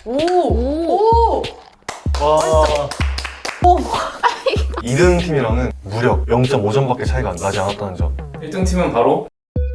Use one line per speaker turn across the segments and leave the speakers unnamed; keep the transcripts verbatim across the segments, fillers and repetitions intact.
오! 오!
와.
오!
이 등 팀이랑은 무려 영 점 오 점밖에 차이가 나지 않았다는 점.
일 등 팀은 바로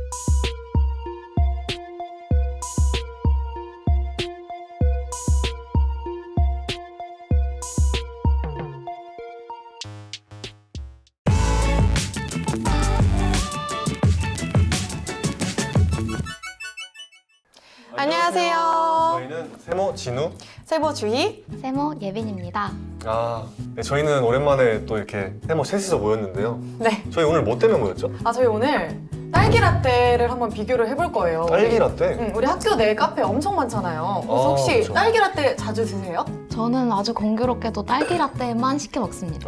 안녕하세요.
저희는 세모 진우.
세보 주희.
세모 예빈입니다.
아, 네, 저희는 오랜만에 또 이렇게 세모 셋이서 모였는데요.
네.
저희 오늘 뭐 때문에 모였죠?
아, 저희 오늘 딸기 라떼를 한번 비교를 해볼 거예요.
딸기 라떼?
응, 우리 학교 내 카페 엄청 많잖아요. 그래서
아,
혹시
그쵸.
딸기 라떼 자주 드세요?
저는 아주 공교롭게도 딸기 라떼만 시켜 먹습니다.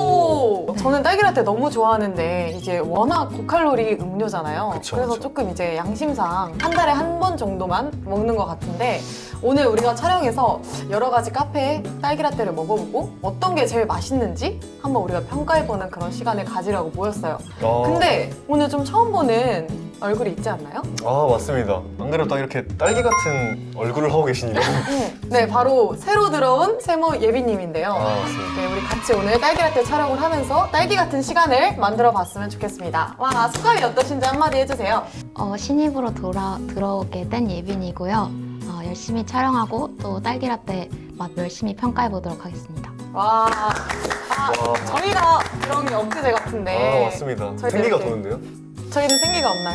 오! 저는 딸기 라떼 너무 좋아하는데 이게 워낙 고칼로리 음료잖아요.
그쵸,
그래서
그쵸.
조금 이제 양심상 한 달에 한 번 정도만 먹는 것 같은데 오늘 우리가 촬영해서 여러 가지 카페에 딸기 라떼를 먹어보고 어떤 게 제일 맛있는지 한번 우리가 평가해보는 그런 시간을 가지려고 모였어요.
아,
근데 오늘 좀 처음 보는 얼굴이 있지 않나요?
아, 맞습니다. 안 그래도 딱 이렇게 딸기 같은 얼굴을 하고 계시니까.
네, 바로 새로 들어온 세모 예빈님인데요.
아, 맞습니다.
네, 우리 같이 오늘 딸기라떼 촬영을 하면서 딸기 같은 시간을 만들어 봤으면 좋겠습니다. 와, 소감이 어떠신지 한마디 해주세요.
어, 신입으로 돌아, 들어오게 된 예빈이고요. 어, 열심히 촬영하고 또 딸기 라떼 맛 열심히 평가해 보도록 하겠습니다.
와, 아,
와.
저희가 들어온 게 엊그제 같은데
아, 맞습니다.
저희도
생기가
이렇게-
도는데요?
저희는 생기가 없나요?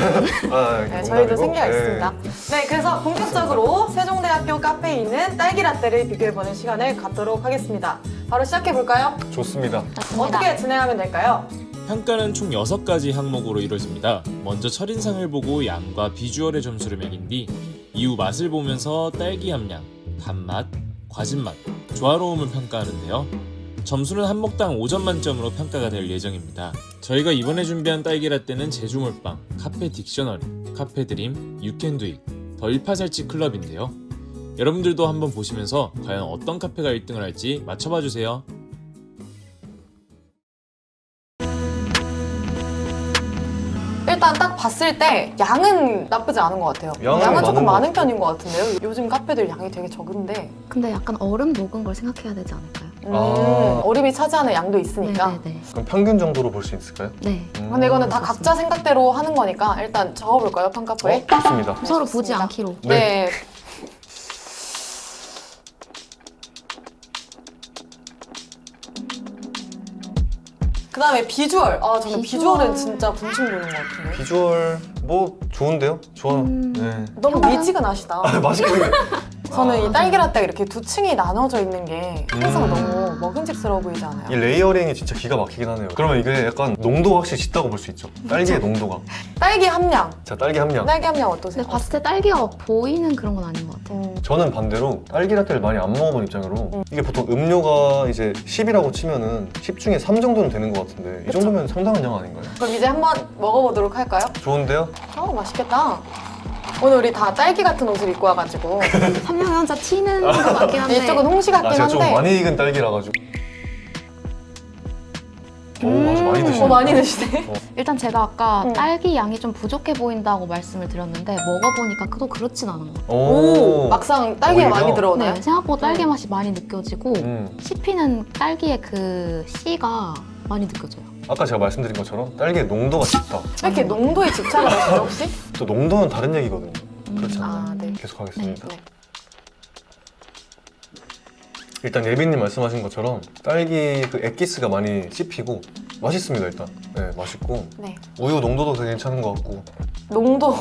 아,
네, 저희도
농담이고.
생기가
네.
있습니다. 네, 그래서 본격적으로 세종대학교 카페에 있는 딸기 라떼를 비교해보는 시간을 갖도록 하겠습니다. 바로 시작해볼까요?
좋습니다.
좋습니다.
어떻게 진행하면 될까요?
평가는 총 여섯 가지 항목으로 이루어집니다. 먼저 첫인상을 보고 양과 비주얼의 점수를 매긴 뒤 이후 맛을 보면서 딸기 함량, 단맛, 과즙 맛, 조화로움을 평가하는데요. 점수는 한 목당 오 점 만점으로 평가가 될 예정입니다. 저희가 이번에 준비한 딸기 라떼는 제주몰빵, 카페 딕셔너리, 카페 드림, 유캔두잇, 더 일파살치 클럽인데요. 여러분들도 한번 보시면서 과연 어떤 카페가 일 등을 할지 맞춰봐 주세요.
일단 딱 봤을 때 양은 나쁘지 않은 것 같아요.
양은
양은 조금
많은 것
많은
같아요.
편인 것 같은데요. 요즘 카페들 양이 되게 적은데
근데 약간 얼음 녹은 걸 생각해야 되지 않을까요?
음,
아.
얼음이 차지하는 양도 있으니까.
네네네.
그럼 평균 정도로 볼 수 있을까요?
네.
음.
근데 이거는 다 각자 생각대로 하는 거니까 일단 적어볼까요, 평가표에?
어, 좋습니다.
서로
좋습니다.
보지 않기로.
네.
네. 그 다음에 비주얼. 아, 저는
비주얼.
비주얼은 진짜 분침 도는 것 같은데.
비주얼 뭐 좋은데요? 좋아요.
음.
네.
너무
평균?
미지근하시다.
아, 맛있게 생겼.
저는
아,
이 딸기 라떼가 이렇게 두 층이 나눠져 있는 게 항상
음.
너무 먹음직스러워 보이지 않아요?
이 레이어링이 진짜 기가 막히긴 하네요. 그러면 이게 약간 농도가 확실히 짙다고 볼 수 있죠. 딸기의 농도가.
딸기 함량.
자, 딸기 함량.
딸기 함량 어떠세요?
근데 봤을 때 딸기가 보이는 그런 건 아닌 것 같아요.
음,
저는 반대로 딸기 라떼를 많이 안 먹어본 입장으로
음.
이게 보통 음료가 이제 십이라고 치면은 십 중에 삼 정도는 되는 것 같은데 이
그쵸?
정도면 상당한 양 아닌가요?
그럼 이제 한번 먹어보도록 할까요?
좋은데요?
어, 맛있겠다. 오늘 우리 다 딸기 같은 옷을 입고 와가지고
한 명이 혼자 튀는 것 같긴 한데.
이쪽은 홍시 같긴
아, 제가 좀
한데
많이 익은 딸기라 가지고. 오, 아주 많이
음.
드시네.
어, 많이 드시네.
일단 제가 아까
음.
딸기 양이 좀 부족해 보인다고 말씀을 드렸는데 먹어보니까 그도 그렇진 않은 것 같아요.
오, 막상 딸기가
오히려?
많이 들어오나요?
네, 생각보다 딸기
음.
맛이 많이 느껴지고
음.
씹히는 딸기의 그 씨가 많이 느껴져요.
아까 제가 말씀드린 것처럼 딸기의 농도가 짙다.
왜 이렇게 농도에 집착을 하시죠, 혹시?
또 농도는 다른 얘기거든요.
음.
그렇지 않나요?
아, 네.
계속하겠습니다.
네.
일단 예빈님 말씀하신 것처럼 딸기 그 액기스가 많이 씹히고 맛있습니다. 일단 네, 맛있고
네.
우유 농도도 되게 괜찮은 것 같고.
농도.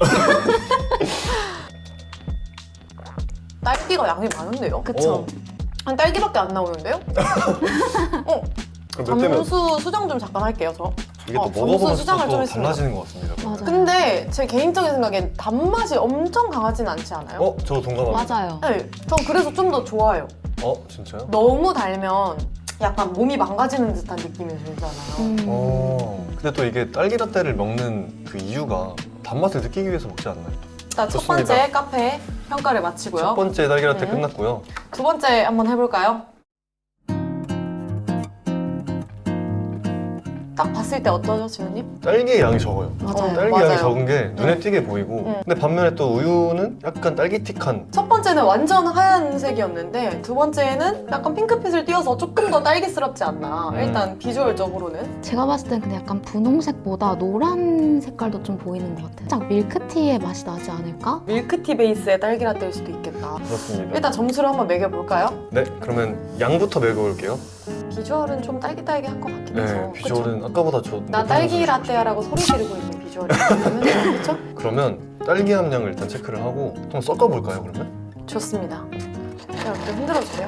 딸기가 양이 많은데요?
그쵸?
어,
한 딸기밖에 안 나오는데요? 어,
그럼 몇 대면
점수 수정 좀 잠깐 할게요, 저.
이게 또
어, 점수
먹어보면서
수정을 좀
또
했습니다.
달라지는 것 같습니다.
맞아요.
근데 제 개인적인 생각엔 단맛이 엄청 강하진 않지 않아요?
어? 저도 동감합니다.
맞아요.
네, 전 그래서 좀 더 좋아요.
어? 진짜요?
너무 달면 약간 몸이 망가지는 듯한 느낌이 들잖아요.
음.
어. 근데 또 이게 딸기 라떼를 먹는 그 이유가 단맛을 느끼기 위해서 먹지 않나요?
자, 첫
좋습니다.
번째 카페 평가를 마치고요.
첫 번째 딸기 라떼
음.
끝났고요.
두 번째 한번 해볼까요? 딱 봤을 때 어떠죠, 지훈님?
딸기의 양이 적어요.
맞아요.
딸기
맞아요.
양이 적은 게 눈에 띄게 보이고
음.
근데 반면에 또 우유는 약간 딸기틱한
첫 번째는 완전 하얀색이었는데 두 번째는 약간 핑크빛을 띄워서 조금 더 딸기스럽지 않나.
음.
일단 비주얼적으로는.
제가 봤을 땐 근데 약간 분홍색보다 노란 색깔도 좀 보이는 것 같아요. 살짝 밀크티의 맛이 나지 않을까?
밀크티 베이스의 딸기라떼일 수도 있겠다.
그렇습니다.
일단 점수를 한번 매겨볼까요?
네, 그러면 양부터 매겨볼게요.
비주얼은 좀 딸기딸기한 것 같긴 해서.
네, 비주얼은 아까보다 저
나
높은
딸기
점수를
라떼야라고 소리 지르고 있는 비주얼이거든요. 그렇죠?
그러면 딸기 함량을 일단 체크를 하고 한번 섞어볼까요, 그러면?
좋습니다. 자, 이렇게 흔들어주세요.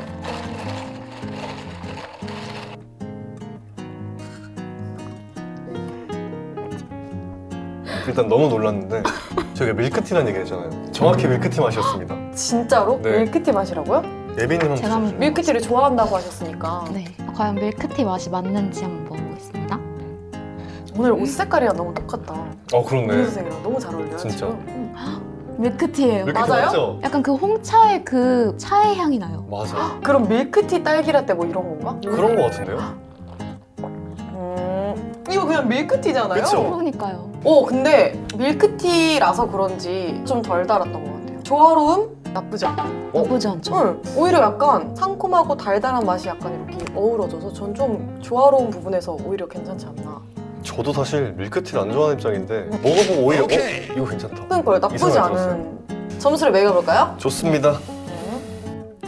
일단 너무 놀랐는데 저희가 밀크티라는 얘기 했잖아요. 정확히 밀크티 맛이었습니다.
진짜로?
네.
밀크티 맛이라고요?
예빈님 한번
제가
드셔보세요.
밀크티를 좋아한다고 하셨으니까.
네. 과연 밀크티 맛이 맞는지 한번 먹어보겠습니다.
오늘 옷 색깔이랑 너무 똑같다.
어, 그렇네.
분홍색이랑 너무 잘 어울려요.
진짜.
지금. 응.
밀크티예요.
밀크티
맞아요?
맞죠?
약간 그 홍차의 그 차의 향이 나요.
맞아.
그럼 밀크티 딸기 라떼 뭐 이런 건가?
그런 거 같은데요?
음, 이거 그냥 밀크티잖아요.
그쵸?
그러니까요.
오, 근데 밀크티라서 그런지 좀 덜 달았던 것 같아요. 조화로움 나쁘지 않아요.
어?
나쁘지 않죠?
응. 오히려 약간 상콤하고 달달한 맛이 약간 이렇게 어우러져서 전 좀 조화로운 부분에서 오히려 괜찮지 않나.
저도 사실 밀크티를 안 좋아하는 입장인데 먹어보고 오히려 어? 이거 괜찮다.
그런 걸 나쁘지
이 생각이
않은 점수를 매겨볼까요?
좋습니다.
음,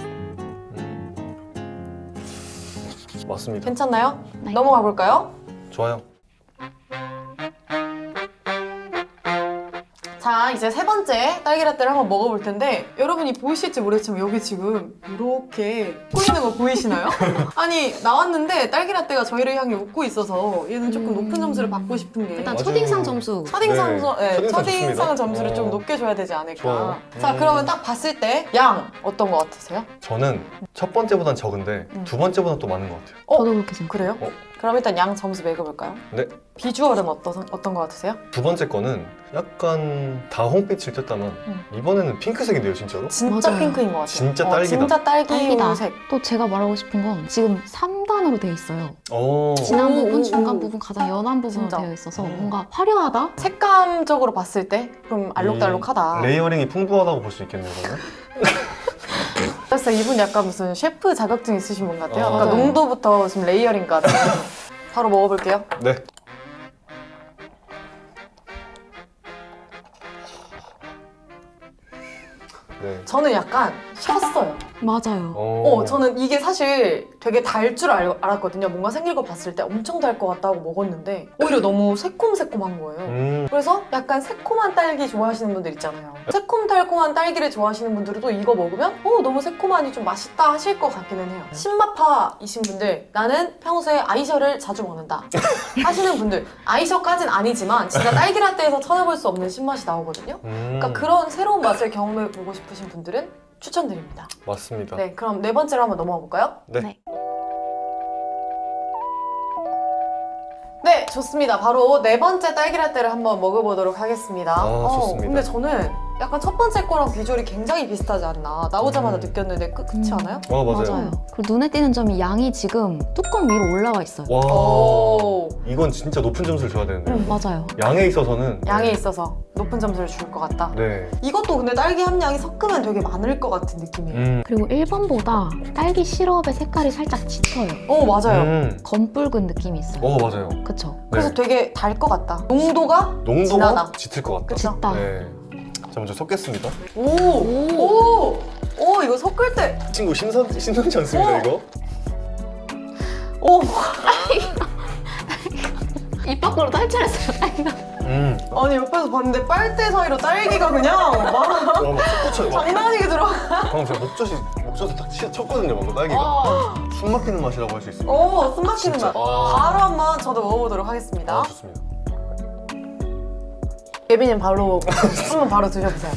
맞습니다.
괜찮나요?
네.
넘어가 볼까요?
좋아요.
자, 이제 세 번째 딸기라떼를 한번 먹어볼 텐데 여러분이 보이실지 모르겠지만 여기 지금 이렇게 웃고 있는 거 보이시나요? 아니, 나왔는데 딸기라떼가 저희를 향해 웃고 있어서 얘는 조금
음.
높은 점수를 받고 싶은 게
일단
맞아요.
첫인상 점수.
첫인상,
네,
점- 네,
첫인상
첫인상
좋습니다.
점수를 좀
어.
높게 줘야 되지 않을까.
좋아요.
자,
음.
그러면 딱 봤을 때 양 어떤 거 같으세요?
저는 첫 번째보단 적은데
음.
두 번째보단 또 많은 것 같아요.
어?
저도 그렇게 생각해요.
그래요?
어.
그럼 일단 양 점수 매겨볼까요?
네.
비주얼은 어떤, 어떤 거 같으세요?
두 번째 거는 약간 다홍빛을 켰다만
음.
이번에는 핑크색인데요, 진짜로?
진짜
맞아요.
핑크인 것 같아요.
진짜
어,
딸기다.
진짜
딸기다.
딸기색.
또 제가 말하고 싶은 건 지금 삼 단으로 되어 있어요.
오.
진한
오,
부분,
오,
중간
오.
부분, 가장 연한 부분으로
진짜.
되어 있어서
음.
뭔가 화려하다?
색감적으로 봤을 때 좀 알록달록하다.
레이어링이 풍부하다고 볼 수 있겠네요, 그러면?
그래서 이분 약간 무슨 셰프 자격증 있으신 분 같아요.
아.
아까
맞아요.
농도부터 지금 레이어링까지. 바로 먹어볼게요.
네. 네.
저는 약간 쉬었어요.
맞아요.
어, 저는 이게 사실 되게 달 줄 알았거든요. 뭔가 생길 거 봤을 때 엄청 달 것 같다고 먹었는데 오히려 너무 새콤새콤한 거예요.
음.
그래서 약간 새콤한 딸기 좋아하시는 분들 있잖아요. 새콤달콤한 딸기를 좋아하시는 분들도 이거 먹으면 어, 너무 새콤하니 좀 맛있다 하실 것 같기는 해요. 신맛파이신 분들, 나는 평소에 아이셔를 자주 먹는다 하시는 분들, 아이셔까진 아니지만 진짜 딸기라떼에서 찾아볼 수 없는 신맛이 나오거든요.
음.
그러니까 그런 새로운 맛을 경험해보고 싶으신 분들은 추천드립니다.
맞습니다.
네, 그럼 네 번째로 한번 넘어가 볼까요?
네.
네.
네, 좋습니다. 바로 네 번째 딸기라떼를 한번 먹어보도록 하겠습니다.
아, 좋습니다.
근데 저는 약간 첫 번째 거랑 비주얼이 굉장히 비슷하지 않나. 나오자마자
음.
느꼈는데 그, 그렇지
음.
않아요?
와, 맞아요.
맞아요. 그리고 눈에 띄는 점이 양이 지금 뚜껑 위로 올라와 있어요.
와.
오,
이건 진짜 높은 점수를 줘야 되는데요.
음.
맞아요.
양에 있어서는
양에 있어서 높은 점수를 줄 것 같다.
네.
이것도 근데 딸기 함량이 섞으면 되게 많을 것 같은 느낌이에요.
음.
그리고 일 번보다 딸기 시럽의 색깔이 살짝 짙어요.
어, 맞아요.
음.
검붉은 느낌이 있어요.
어, 맞아요.
그쵸?
그래서
네.
되게 달 것 같다. 농도가
농도가
진하다.
짙을 것 같다.
그쵸?
짙다.
네. 자, 먼저 섞겠습니다.
오, 오, 오, 이거 섞을 때,
이 친구 신선, 신선치 않습니다,
어.
이거?
오,
입 밖으로 탈출했어요, 딸기가.
음.
아니 옆에서 봤는데 빨대 사이로 딸기가 그냥 막
와, 막 솟구쳐요. 막.
장난 아니게 들어.
방금 제가 목젖이, 목젖에 딱 치- 쳤거든요, 방금 딸기가.
어,
숨 막히는 맛이라고 할 수 있어요.
오, 숨 막히는
진짜.
맛.
아.
바로 한번 저도 먹어보도록 하겠습니다.
아, 좋습니다.
예빈님 바로 한번 바로 드셔보세요.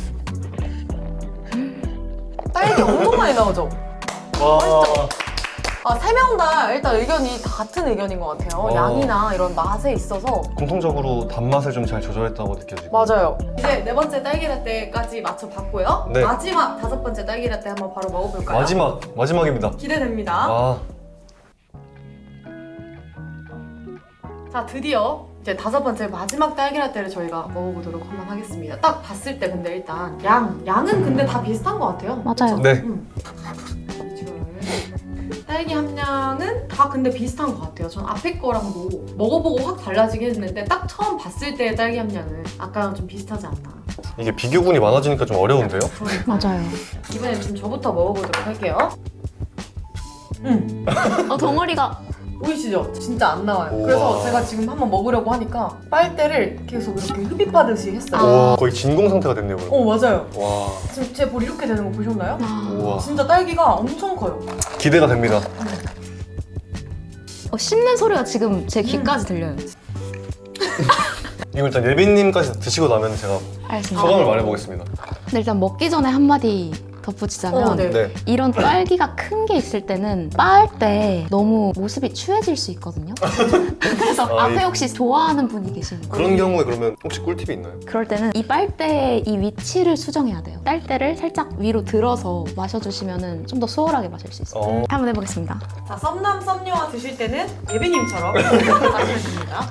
딸기 엄청 많이 나오죠?
와.
아, 세 명 다 일단 의견이 다 같은 의견인 것 같아요.
어.
양이나 이런 맛에 있어서.
공통적으로 단맛을 좀 잘 조절했다고 느껴지고.
맞아요. 이제 네 번째 딸기라떼까지 맞춰봤고요.
네.
마지막 다섯 번째 딸기라떼 한번 바로 먹어볼까요?
마지막, 마지막입니다.
기대됩니다.
아.
자, 드디어 이제 다섯 번째 마지막 딸기라떼를 저희가 먹어보도록 한번 하겠습니다. 딱 봤을 때 근데 일단 양, 양은 근데 다 비슷한 것 같아요.
맞아요.
그쵸?
네.
음. 비주얼. 딸기 함량은 다 근데 비슷한 것 같아요. 전 앞에 거랑도 먹어보고 확 달라지긴 했는데 딱 처음 봤을 때의 딸기 함량은 아까랑 좀 비슷하지 않나.
이게 비교군이 많아지니까 좀 어려운데요?
맞아요.
이번엔 좀 저부터 먹어보도록 할게요. 음,
어, 덩어리가
보이시죠? 진짜 안 나와요.
우와.
그래서 제가 지금 한번 먹으려고 하니까 빨대를 계속 이렇게 흡입하듯이 했어요.
와, 거의 진공 상태가 됐네요. 그럼.
어, 맞아요.
와,
지금 제 볼 이렇게 되는 거 보셨나요?
아,
우와.
진짜 딸기가 엄청 커요.
기대가 됩니다.
어, 씹는 소리가 지금 제 귀까지 들려요.
이거 일단 예빈님까지 드시고 나면 제가
알겠습니다.
소감을 말해보겠습니다.
근데 일단 먹기 전에 한마디 덧붙이자면
어, 네.
네.
이런 딸기가 큰 게 있을 때는 빻을 때 너무 모습이 추해질 수 있거든요. 그래서
아,
앞에
이-
혹시 좋아하는 분이 계시는 거예요?
그런 경우에 그러면 혹시 꿀팁이 있나요?
그럴 때는 이 빨대의 이 위치를 수정해야 돼요. 빨대를 살짝 위로 들어서 마셔주시면 좀 더 수월하게 마실 수 있어요.
어.
한번 해보겠습니다.
자, 썸남 썸녀와 드실 때는 예비님처럼 마시면 됩니다.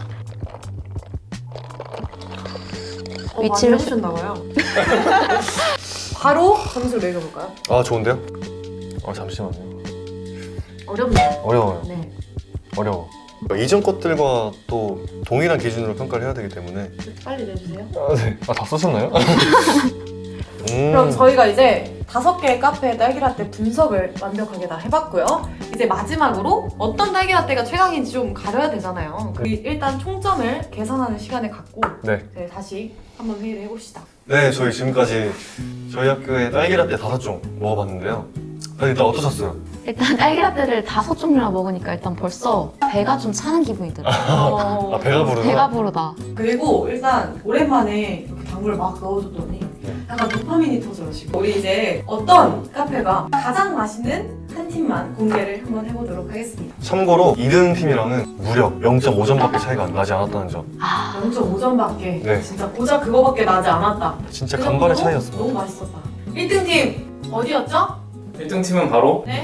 어,
위치를
많이 해보셨나봐요. 바로 점수를 매겨볼까요?
아, 좋은데요? 아, 잠시만요.
어렵네요.
어려워요.
네.
어려워. 이전 것들과 또 동일한 기준으로 평가를 해야 되기 때문에.
빨리 내주세요.
아, 네. 아, 다 쓰셨나요? 음.
그럼 저희가 이제 다섯 개의 카페 딸기라떼 분석을 완벽하게 다 해봤고요. 이제 마지막으로 어떤 딸기라떼가 최강인지 좀 가려야 되잖아요. 그 일단 총점을 계산하는 시간을 갖고
네.
이제 다시 한번 회의를 해봅시다.
네, 저희 지금까지 저희 학교의 딸기라떼 다섯 종 먹어봤는데요. 아, 일단 어떠셨어요?
일단 딸기라떼를 다섯 종류나 먹으니까 일단 벌써 배가 좀 차는 기분이 들어요.
어,
아, 배가 부르나?
배가 부르다.
그리고 일단 오랜만에 이렇게 당구를 막 넣어줬더니
네.
약간 도파민이 터져요 지금. 우리 이제 어떤 카페가 가장 맛있는 한 팀만 공개를 한번 해보도록 하겠습니다.
참고로 이 등 팀이랑은 무려 영 점 오 점밖에 차이가 나지 않았다는 점.
아,
영 점 오 점밖에
네.
진짜 고작 그거밖에 나지 않았다.
진짜
그
간발의
정도로
차이였습니다.
너무 맛있었다. 일 등 팀 어디였죠?
일 등 팀은 바로
네.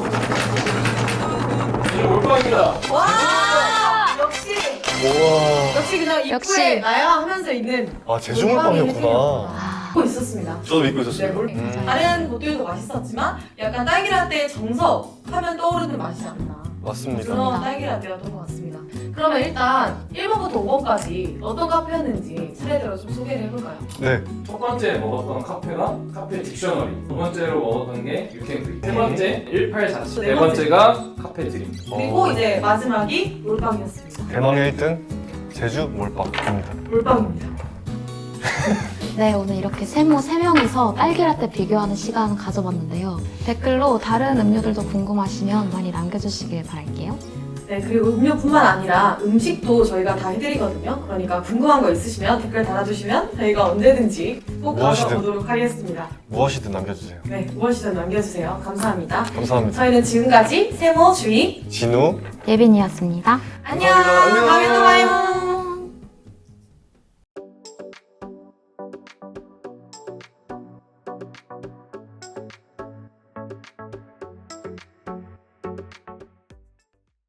올빵입니다.
와 역시
우와.
역시 그냥 입구에
역시.
나야 하면서 있는
아, 제주물빵이었구나.
아,
믿고 있었습니다.
저도 믿고 있었어요.
네, 뭘-
음.
다른 곳들도 맛있었지만 약간 딸기라떼의 정석 하면 떠오르는 맛이지 않나.
맞습니다.
그런 딸기라떼였던 것 같습니다. 그러면 일단 일 번부터 오 번까지 어떤 카페였는지 차례대로 좀 소개를 해볼까요?
네.
첫 번째 먹었던 카페가 카페 딕셔너리, 두 번째로 먹었던 게 유캔크림, 세 번째 일팔사칠, 네 번째가 카페 드림.
그리고
어,
이제 마지막이 몰빵이었습니다.
대망의 일 등 제주 몰빵입니다.
몰빵입니다.
네, 오늘 이렇게 세모 세 명이서 딸기라떼 비교하는 시간 가져봤는데요. 댓글로 다른 음료들도 궁금하시면 많이 남겨주시길 바랄게요.
네, 그리고 음료뿐만 아니라 음식도 저희가 다 해드리거든요. 그러니까 궁금한 거 있으시면 댓글 달아주시면 저희가 언제든지 꼭
무엇이든.
가져보도록 하겠습니다.
무엇이든 남겨주세요.
네, 무엇이든 남겨주세요. 감사합니다.
감사합니다.
저희는 지금까지 세모 주인
진우.
예빈이었습니다.
안녕.
감사합니다. 안녕.
다음에 또 봐요.